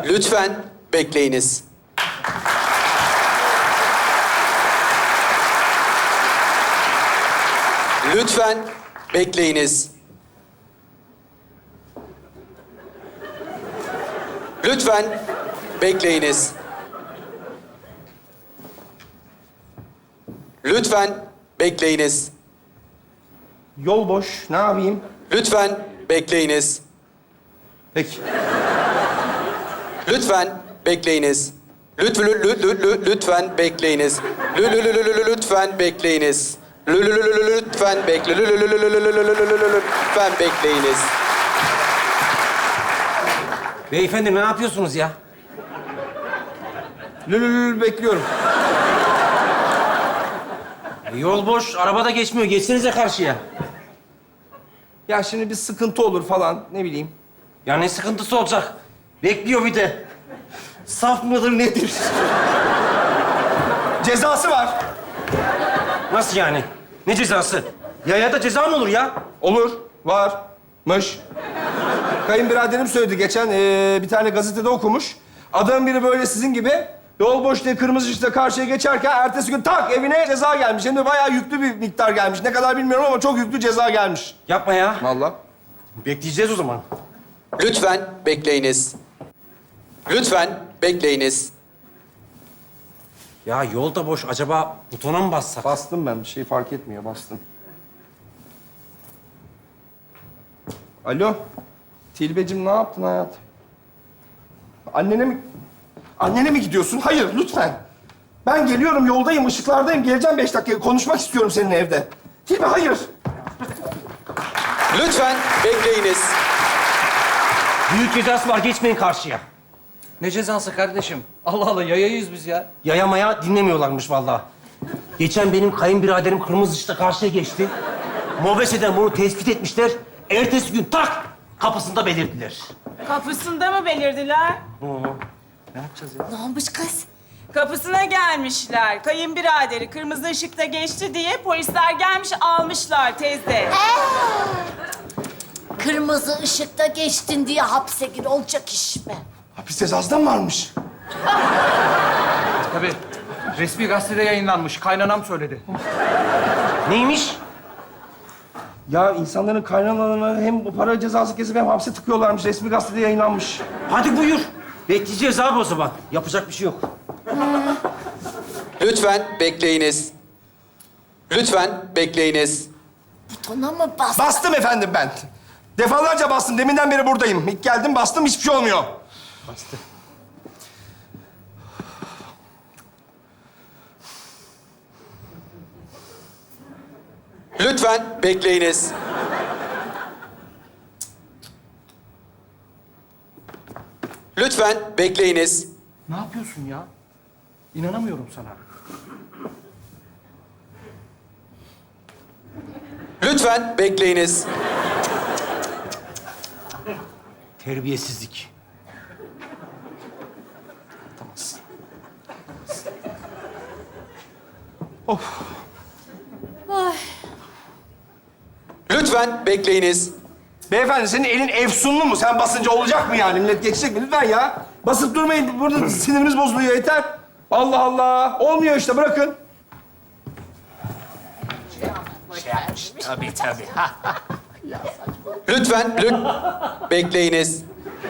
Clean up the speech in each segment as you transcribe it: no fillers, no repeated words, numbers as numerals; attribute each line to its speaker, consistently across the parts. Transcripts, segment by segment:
Speaker 1: Lütfen bekleyiniz. Lütfen bekleyiniz. Lütfen bekleyiniz. Lütfen bekleyiniz.
Speaker 2: Yol boş. Ne yapayım?
Speaker 1: Lütfen bekleyiniz.
Speaker 2: Peki.
Speaker 1: Lütfen bekleyiniz. Lütfen bekleyiniz. Lütfen bekleyiniz. Lütfen bekleyiniz.
Speaker 3: Beyefendi ne yapıyorsunuz ya?
Speaker 2: Bekliyorum.
Speaker 3: Yol boş, araba da geçmiyor. Geçsenize karşıya.
Speaker 2: Ya şimdi bir sıkıntı olur falan, ne bileyim.
Speaker 3: Ya ne sıkıntısı olacak? Bekliyor bir de. Saf mıdır nedir?
Speaker 2: Cezası var.
Speaker 3: Nasıl yani? Ne cezası? Ya da ceza mı olur ya?
Speaker 2: Olur. Varmış. Kayınbiraderim söyledi geçen, bir tane gazetede okumuş. Adamın biri böyle sizin gibi yol boş diye kırmızı ışıkta karşıya geçerken ertesi gün tak evine ceza gelmiş. Hem de bayağı yüklü bir miktar gelmiş. Ne kadar bilmiyorum ama çok yüklü ceza gelmiş.
Speaker 3: Yapma ya.
Speaker 2: Vallahi.
Speaker 3: Bekleyeceğiz o zaman.
Speaker 1: Lütfen bekleyiniz. Lütfen bekleyiniz.
Speaker 3: Ya yol da boş. Acaba butona mı bassak?
Speaker 2: Bastım ben. Bir şey fark etmiyor. Bastım. Alo. Tilbecim ne yaptın hayatım? Annene mi gidiyorsun? Hayır, lütfen. Ben geliyorum, yoldayım, ışıklardayım. Geleceğim 5 dakika. Konuşmak istiyorum seninle evde. Tilbe, hayır.
Speaker 1: Lütfen bekleyiniz.
Speaker 3: Büyük cezası var. Geçmeyin karşıya.
Speaker 4: Ne cezası kardeşim? Allah Allah yayayız biz ya.
Speaker 3: Yayamaya dinlemiyorlarmış vallahi. Geçen benim kayınbiraderim kırmızı ışıkta karşıya geçti. Mobese'den bunu tespit etmişler. Ertesi gün tak kapısında belirdiler.
Speaker 5: Kapısında mı belirdiler?
Speaker 6: Ne olmuş kız?
Speaker 5: Kapısına gelmişler. Kayınbiraderi kırmızı ışıkta geçti diye polisler gelmiş almışlar teyze.
Speaker 6: Kırmızı ışıkta geçtin diye hapse gir olacak iş mi?
Speaker 2: Hapis cezası da mı varmış?
Speaker 4: Tabii. Resmi gazetede yayınlanmış. Kaynanam söyledi.
Speaker 3: Neymiş?
Speaker 2: Ya insanların kaynanalarına hem bu para cezası kesip hem hapse tıkıyorlarmış. Resmi gazetede yayınlanmış.
Speaker 3: Hadi buyur. Bekleyeceğiz abi o zaman. Yapacak bir şey yok.
Speaker 1: Lütfen bekleyiniz. Lütfen bekleyiniz.
Speaker 6: Butona mı bastın?
Speaker 2: Bastım efendim ben. Defalarca bastım. Deminden beri buradayım. İlk geldim bastım, hiçbir şey olmuyor.
Speaker 3: Bastı.
Speaker 1: Lütfen bekleyiniz. Lütfen bekleyiniz.
Speaker 4: Ne yapıyorsun ya? İnanamıyorum sana.
Speaker 1: Lütfen bekleyiniz.
Speaker 3: Terbiyesizlik.
Speaker 1: Lütfen bekleyiniz.
Speaker 2: Beyefendi senin elin efsunlu mu? Sen basınca olacak mı yani? Millet geçecek mi? Lütfen ya. Basıp durmayın. Burada sinirimiz bozuluyor. Yeter. Allah Allah. Olmuyor işte. Bırakın.
Speaker 1: Lütfen bekleyiniz.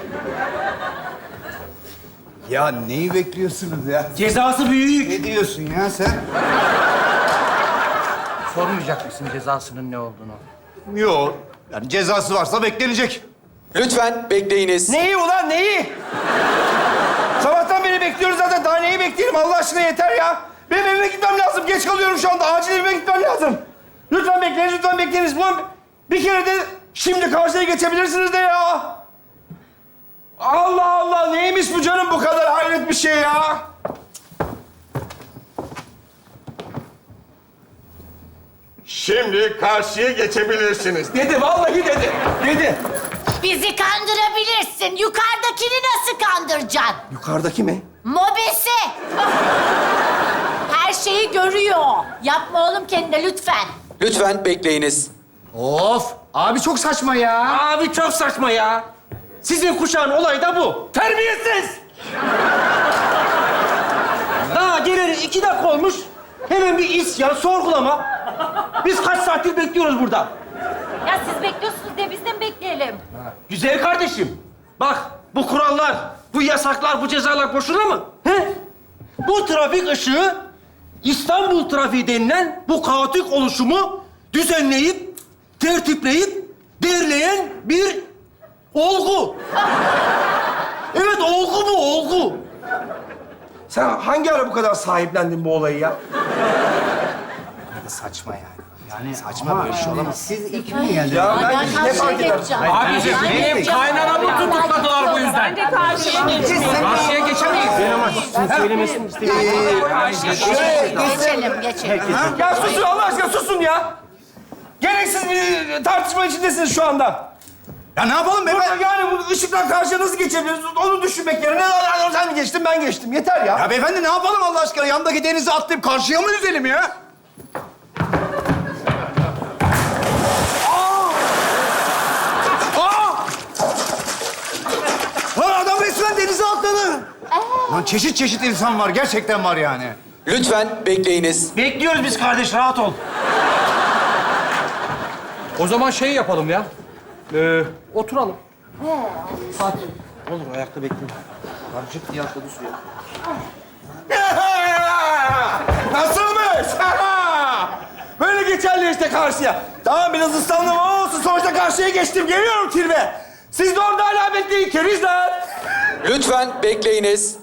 Speaker 7: Ya neyi bekliyorsunuz ya?
Speaker 3: Cezası büyük.
Speaker 7: Ne diyorsun ya sen?
Speaker 4: Sormayacak mısın cezasının ne olduğunu?
Speaker 7: Yok. Yani cezası varsa beklenecek.
Speaker 1: Lütfen bekleyiniz.
Speaker 2: Neyi ulan neyi? Sabahtan beri bekliyoruz zaten. Daha neyi bekleyelim? Allah aşkına yeter ya. Benim evime gitmem lazım. Geç kalıyorum şu anda. Acil evime gitmem lazım. Lütfen bekleyiniz, lütfen bekleyiniz. Ulan bir kere de şimdi karşıya geçebilirsiniz de ya. Allah Allah. Neymiş bu canım bu kadar hayret bir şey ya.
Speaker 8: Şimdi karşıya geçebilirsiniz.
Speaker 2: Dedi, vallahi dedi. Dedi.
Speaker 6: Bizi kandırabilirsin. Yukarıdakini nasıl kandıracaksın?
Speaker 2: Yukarıdaki mi?
Speaker 6: Mobese. Her şeyi görüyor. Yapma oğlum kendine lütfen.
Speaker 1: Lütfen bekleyiniz.
Speaker 7: Of! Abi çok saçma ya.
Speaker 3: Abi çok saçma ya. Sizin kuşağın olayı da bu. Terbiyesiz. Hemen bir isyan, sorgulama. Biz kaç saattir bekliyoruz burada.
Speaker 9: Ya siz bekliyorsunuz diye biz de mi bekleyelim?
Speaker 3: Güzel kardeşim. Bak, bu kurallar, bu yasaklar, bu cezalar boşuna mı? He? Bu trafik ışığı, İstanbul trafiği denilen bu kaotik oluşumu düzenleyip, tertipleyip, derleyen bir olgu. Evet, olgu bu, olgu.
Speaker 2: Sen hangi ara bu kadar sahiplendin bu olayı ya?
Speaker 7: Saçma yani. Yani saçma böyle şey olamaz. Siz ilk mi geldiniz?
Speaker 2: Ya ben
Speaker 6: Ben
Speaker 2: ne
Speaker 6: karşıya
Speaker 2: fark eder?
Speaker 6: geçeceğim.
Speaker 4: Abiciğim,
Speaker 6: Ben
Speaker 4: benim
Speaker 6: geçeceğim.
Speaker 4: kaynanamı tutukladılar bu yüzden.
Speaker 5: Ben de karşıya geçmiyorum.
Speaker 4: Karşıya geçemeyiz.
Speaker 3: Söylemesini
Speaker 6: Geçelim, geçelim.
Speaker 2: Ya susun Allah aşkına susun ya. Gereksiz bir tartışma içindesiniz şu anda.
Speaker 7: Ya ne yapalım be?
Speaker 2: Burada yani bu ışıktan karşıya nasıl geçebiliriz? Onu düşünmek yerine sen geçtin, ben geçtim. Yeter ya.
Speaker 7: Ya beyefendi ne yapalım Allah aşkına? Yandaki denize atlayıp karşıya mı yüzelim ya? Lan adam resmen denize atladı. Lan çeşit çeşit insan var. Gerçekten var yani.
Speaker 1: Lütfen bekleyiniz.
Speaker 3: Bekliyoruz biz kardeş, rahat ol.
Speaker 4: O zaman şey yapalım ya. Oturalım.
Speaker 3: Olur, ayakta bekleyin. Karcık diye atladı suya.
Speaker 2: Nasılmış? Böyle geçerli işte karşıya. Tamam biraz ıslandım ama olsun. Sonuçta karşıya geçtim. Geliyorum Tilbe. Siz de orada hala bekleyin kerizler.
Speaker 1: Lütfen bekleyiniz.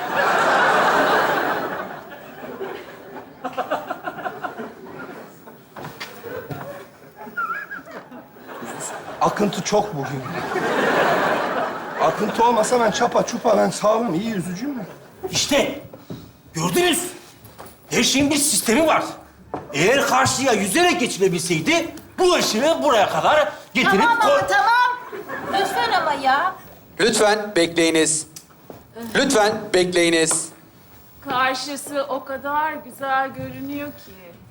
Speaker 2: Akıntı çok bugün. Akıntı olmasa ben çapa çupa ben sağlam iyi yüzücüyüm ben.
Speaker 3: İşte, gördünüz. Her şeyin bir sistemi var. Eğer karşıya yüzerek geçilebilseydi, bu ışığı buraya kadar getirip...
Speaker 9: Tamam ama tamam. Lütfen ama ya.
Speaker 1: Lütfen bekleyiniz. Lütfen bekleyiniz.
Speaker 5: Karşısı o kadar güzel görünüyor ki.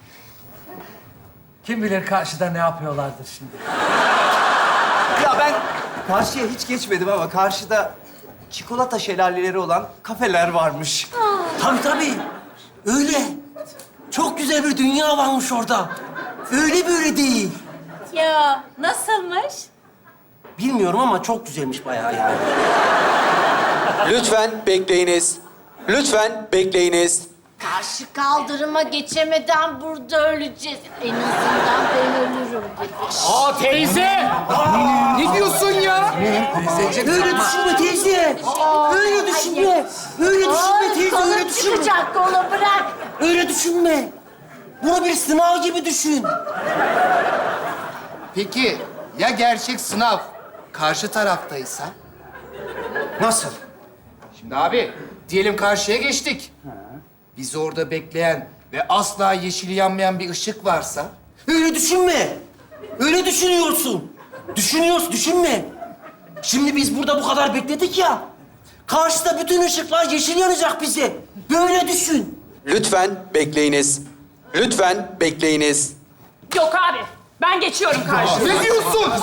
Speaker 4: Kim bilir karşıda ne yapıyorlardır şimdi.
Speaker 10: Ya ben karşıya hiç geçmedim ama karşıda çikolata şelaleleri olan kafeler varmış.
Speaker 3: Tabii. Öyle. Çok güzel bir dünya varmış orada. Öyle böyle değil.
Speaker 9: Ya nasılmış?
Speaker 3: Bilmiyorum ama çok güzelmiş bayağı yani.
Speaker 1: Lütfen bekleyiniz. Lütfen bekleyiniz.
Speaker 6: Karşı kaldırıma geçemeden burada öleceğiz. En azından ben ölürüm gibi.
Speaker 4: Aa teyze! Ne diyorsun ya?
Speaker 3: Öyle düşünme teyze. Öyle düşünme. Öyle düşünme teyze, öyle
Speaker 6: Kolum
Speaker 3: düşünme.
Speaker 6: çıkacak, kolu bırak.
Speaker 3: Öyle düşünme. Bunu bir sınav gibi düşün.
Speaker 10: Peki ya gerçek sınav karşı taraftaysa?
Speaker 3: Nasıl?
Speaker 10: Şimdi abi diyelim karşıya geçtik. Bizi orada bekleyen ve asla yeşili yanmayan bir ışık varsa?
Speaker 3: Öyle düşünme. Öyle düşünüyorsun. Düşünme. Şimdi biz burada bu kadar bekledik ya. Karşıda bütün ışıklar yeşil yanacak bize. Böyle düşün.
Speaker 1: Lütfen bekleyiniz. Lütfen bekleyiniz.
Speaker 5: Yok abi. Ben geçiyorum karşıya.
Speaker 7: Ne diyorsun?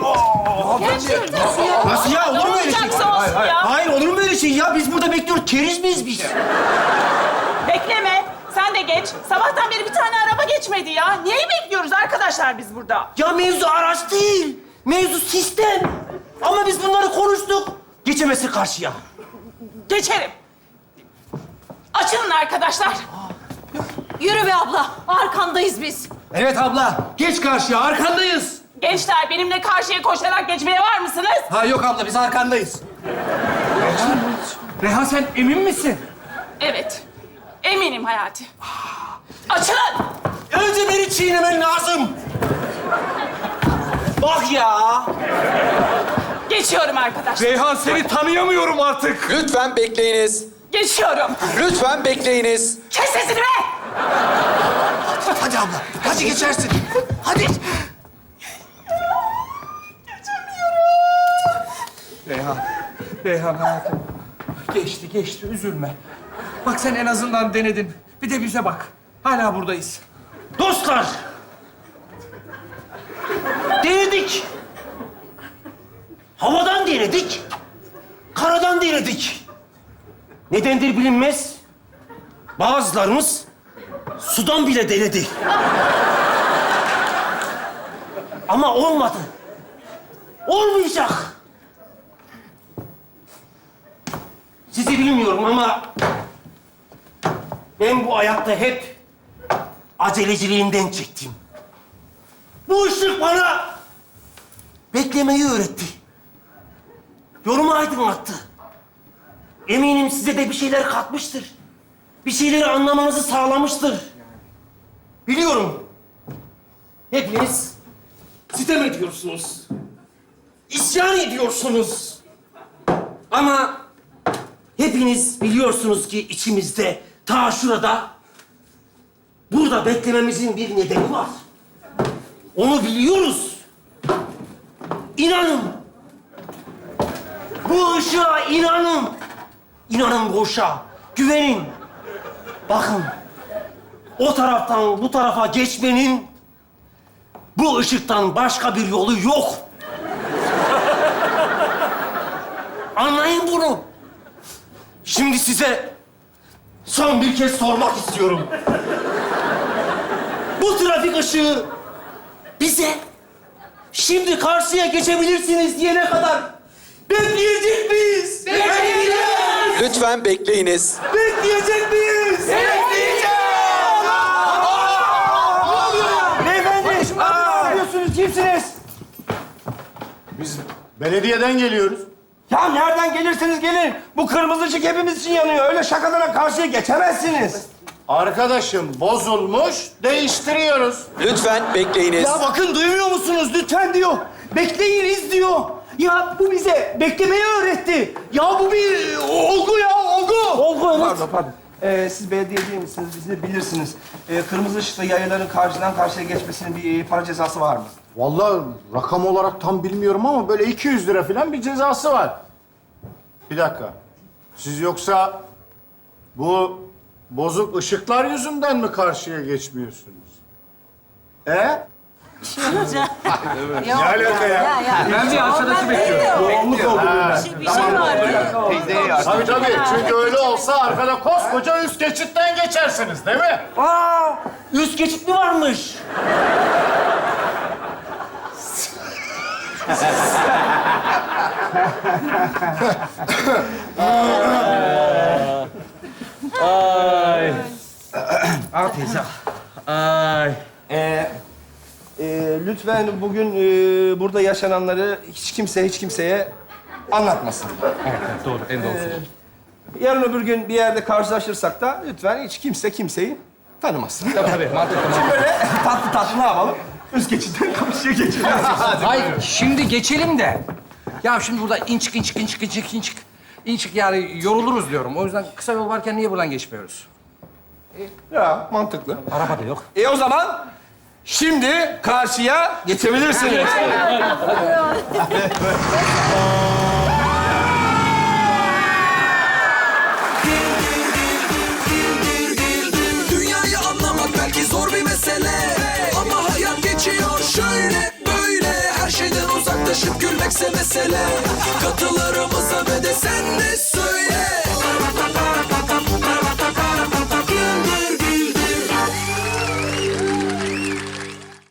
Speaker 3: Nasıl ya? Olur mu öyle şey?
Speaker 5: Olacaksa olsun ya.
Speaker 3: Hayır, olur mu öyle şey ya? Biz burada bekliyoruz. Keriz miyiz biz?
Speaker 5: Bekleme. Sen de geç. Sabahtan beri bir tane araba geçmedi ya. Niye bekliyoruz arkadaşlar biz burada?
Speaker 3: Ya mevzu araç değil. Mevzu sistem. Ama biz bunları konuştuk. Geçemezsin karşıya.
Speaker 5: Geçerim. Açılın arkadaşlar.
Speaker 9: Yürü be abla. Arkandayız biz.
Speaker 3: Evet abla. Geç karşıya. Arkandayız.
Speaker 5: Gençler benimle karşıya koşarak geçmeye var mısınız?
Speaker 3: Ha yok abla, biz arkandayız.
Speaker 4: Reha sen emin misin?
Speaker 5: Evet. Eminim Hayati. Açılın.
Speaker 3: Önce beni çiğnemen lazım. Bak ya.
Speaker 5: Geçiyorum arkadaşlar.
Speaker 4: Reyhan seni tanıyamıyorum artık.
Speaker 1: Lütfen bekleyiniz.
Speaker 5: Geçiyorum.
Speaker 1: Lütfen bekleyiniz.
Speaker 5: Kes sesini be!
Speaker 10: Hadi abla, hadi geçersin. Hadi.
Speaker 4: Reyhan hayatım. Geçti üzülme. Bak sen en azından denedin. Bir de bize bak. Hala buradayız.
Speaker 3: Dostlar. Denedik. Havadan denedik. Karadan denedik. Nedendir bilinmez. Bazılarımız sudan bile denedi. Ama olmadı. Olmayacak. Sizi bilmiyorum ama ben bu hayatta hep aceleciliğimden çektim. Bu ışık bana beklemeyi öğretti. Yolumu aydınlattı. Eminim size de bir şeyler katmıştır. Bir şeyleri anlamanızı sağlamıştır. Biliyorum. Hepiniz sitem ediyorsunuz. İsyan ediyorsunuz. Ama hepiniz biliyorsunuz ki içimizde, ta şurada, burada beklememizin bir nedeni var. Onu biliyoruz. İnanın. Bu ışığa inanın. İnanın bu ışığa. Güvenin. Bakın. O taraftan bu tarafa geçmenin bu ışıktan başka bir yolu yok. Anlayın bunu. Şimdi size son bir kez sormak istiyorum. Bu trafik ışığı bize şimdi karşıya geçebilirsiniz diyene kadar bekleyecek miyiz? Bekleyeceğiz!
Speaker 1: Lütfen bekleyiniz.
Speaker 3: Bekleyecek miyiz? Bekleyeceğiz!
Speaker 2: Beyefendi, ne yapıyorsunuz? Kimsiniz?
Speaker 7: Biz belediyeden geliyoruz.
Speaker 2: Ya nereden gelirseniz gelin. Bu kırmızı ışık hepimiz için yanıyor. Öyle şakalara karşıya geçemezsiniz.
Speaker 7: Arkadaşım bozulmuş, değiştiriyoruz.
Speaker 1: Lütfen bekleyiniz.
Speaker 2: Ya bakın duymuyor musunuz? Lütfen diyor. Bekleyiniz diyor. Ya bu bize beklemeyi öğretti. Ya bu bir olgu ya, olgu. Olgu, evet. Pardon. Siz belediye değil misiniz? Bizi de bilirsiniz. Kırmızı ışıkta yayaların karşıdan karşıya geçmesinin bir para cezası var mı?
Speaker 7: Vallahi rakam olarak tam bilmiyorum ama böyle 200 lira falan bir cezası var. Bir dakika. Siz yoksa bu bozuk ışıklar yüzünden mi karşıya geçmiyorsunuz? Ne alaka ya?
Speaker 4: Ben bir arkadaşı bekliyorum.
Speaker 2: Yoğunluk oldu.
Speaker 5: Bir şey var.
Speaker 7: Tabii tabii. Çünkü öyle olsa arkada koskoca üst geçitten geçersiniz değil mi?
Speaker 3: Aa, üst geçit mi varmış?
Speaker 4: Al teyze. Ay.
Speaker 2: Lütfen bugün burada yaşananları hiç kimseye anlatmasın.
Speaker 4: Evet, doğru. En doğrusu.
Speaker 2: Yarın öbür gün bir yerde karşılaşırsak da lütfen hiç kimse kimseyi tanımasın.
Speaker 4: Tabii, mantıklı.
Speaker 2: Şimdi böyle tatlı tatlı ne yapalım? Üst geçitten karşıya geçelim.
Speaker 4: Hayır, şimdi geçelim de. Ya şimdi burada inçik yani yoruluruz diyorum. O yüzden kısa yol varken niye buradan geçmiyoruz?
Speaker 2: Ya mantıklı.
Speaker 4: Araba da yok.
Speaker 2: O zaman şimdi karşıya geçebilirsiniz.
Speaker 11: Dünyayı anlamak belki zor bir mesele, ama hayat geçiyor şöyle böyle. Her şeyden uzaklaşıp gülmekse mesele.